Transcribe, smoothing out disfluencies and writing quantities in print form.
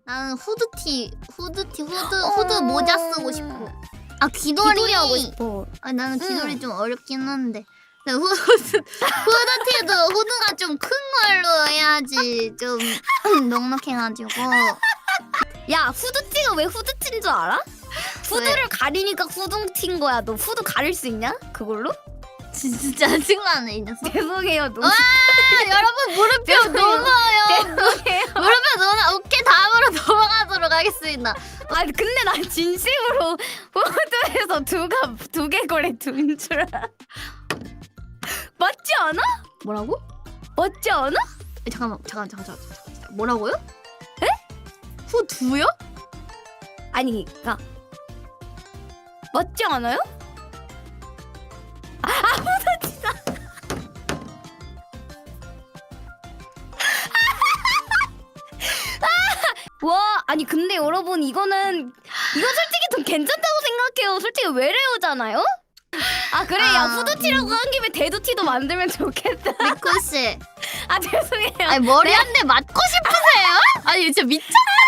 나는 후드 모자 쓰고 싶어. 아 귀걸이 하고 싶어. 아 나는 귀걸이 좀 어렵긴 한데. 근데 후드티도 후드가 좀 큰 걸로 해야지 좀 넉넉해가지고. 야 후드티가 왜 후드티인 줄 알아? 후드를 가리니까 후드티인 거야. 너 후드 가릴 수 있냐? 그걸로? 진짜 짜증나네 이 녀석. 죄송해요. 와 여러분 물음표 넘어요. 죄송해요. 물음표 넘어. 오케이 다음으로 넘어가도록 하겠습니다. 아 근데 난 진심으로 후드에서 두 개 거래 둔 줄 알아. 맞지 않아? 뭐라고? 맞지 않아? 잠깐. 뭐라고요? 에? 후두요? 아니 그니까 맞지 않아요? 후드티다. 와 아니 근데 여러분 이거 솔직히 좀 괜찮다고 생각해요. 솔직히 외래어잖아요? 아 그래 야 후드티라고 한 김에 대두티도 만들면 좋겠다. 미코 씨. 아 죄송해요. 아니 머리 한 대 맞고 싶으세요? 아니 진짜 미쳤나